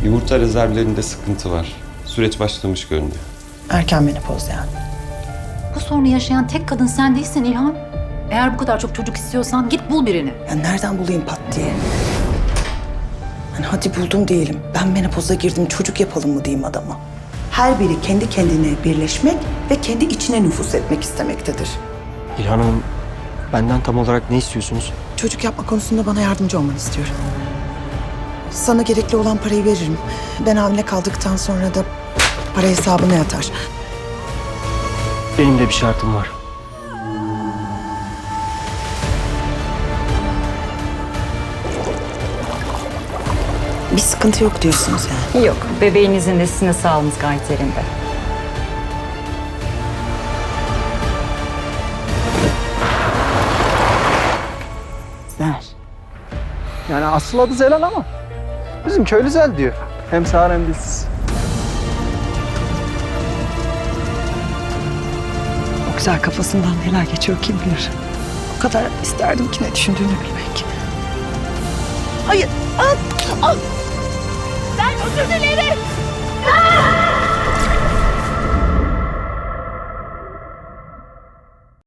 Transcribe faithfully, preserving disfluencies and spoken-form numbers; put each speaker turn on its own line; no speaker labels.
Yumurta rezervlerinde sıkıntı var. Süreç başlamış görünüyor.
Erken menopoz yani.
Bu sorunu yaşayan tek kadın sen değilsin İlhan. Eğer bu kadar çok çocuk istiyorsan git bul birini.
Ya nereden bulayım pat diye? Hani hadi buldum diyelim. Ben menopoza girdim, çocuk yapalım mı diyeyim adama. Her biri kendi kendine birleşmek ve kendi içine nüfus etmek istemektedir.
İlhan Hanım, benden tam olarak ne istiyorsunuz?
Çocuk yapma konusunda bana yardımcı olmanı istiyorum. Sana gerekli olan parayı veririm. Ben hamile kaldıktan sonra da para hesabına yatar.
Benim de bir şartım var.
Bir sıkıntı yok diyorsunuz yani.
Yok, bebeğinizin de sizin de sağlığınız gayet yerinde.
Ver.
Yani asıl adı Zelal ama bizim köylü Zel diyor. Hem sağır hem dilsiz.
O güzel kafasından neler geçiyor kim bilir. O kadar isterdim ki ne düşündüğünü bilmek. Hayır. Al, al.
Ben özür dilerim.